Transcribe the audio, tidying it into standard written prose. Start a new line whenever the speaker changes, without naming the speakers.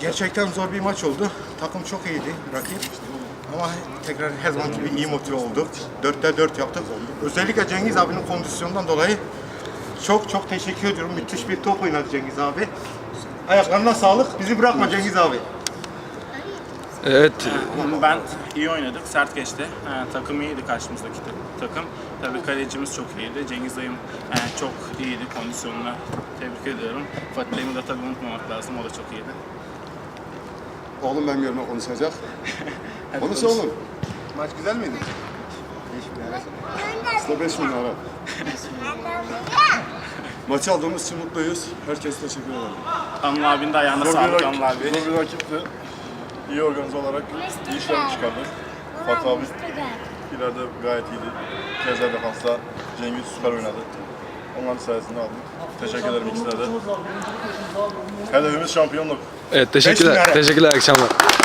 Gerçekten zor bir maç oldu. Takım çok iyiydi, rakip. Ama tekrar her zaman gibi iyi motive olduk. 4'te 4 yaptık. Özellikle Cengiz abinin kondisyonundan dolayı çok teşekkür ediyorum. Müthiş bir top oynadı Cengiz abi. Ayaklarına sağlık. Bizi bırakma Cengiz abi.
Evet.
Ben iyi oynadık, sert geçti. Takım iyiydi karşımızdaki takım. Tabii kalecimiz çok iyiydi. Cengiz dayım çok iyiydi kondisyonuna. Tebrik ediyorum. Fatih Dayım'ı da tabii unutmamak lazım. O da çok iyiydi.
Oğlum benim yerime konuşacak. Konuş oğlum.
Maç güzel miydi?
Size 5 bin lira. Maçı aldığımız için mutluyuz. Herkese teşekkür ederim.
Anıl abinin de ayağına sağlık Anıl abi.
Zor bir rakipti. İyi organize olarak iyi işler çıkardık. Fatih abi ileride gayet iyiydi. Keza defansta Cengiz süper oynadı. Onların sayesinde aldık. Teşekkür ederim ikisine de. Hedefimiz şampiyonluk.
Evet, teşekkürler. Teşekkürler, akşamlar.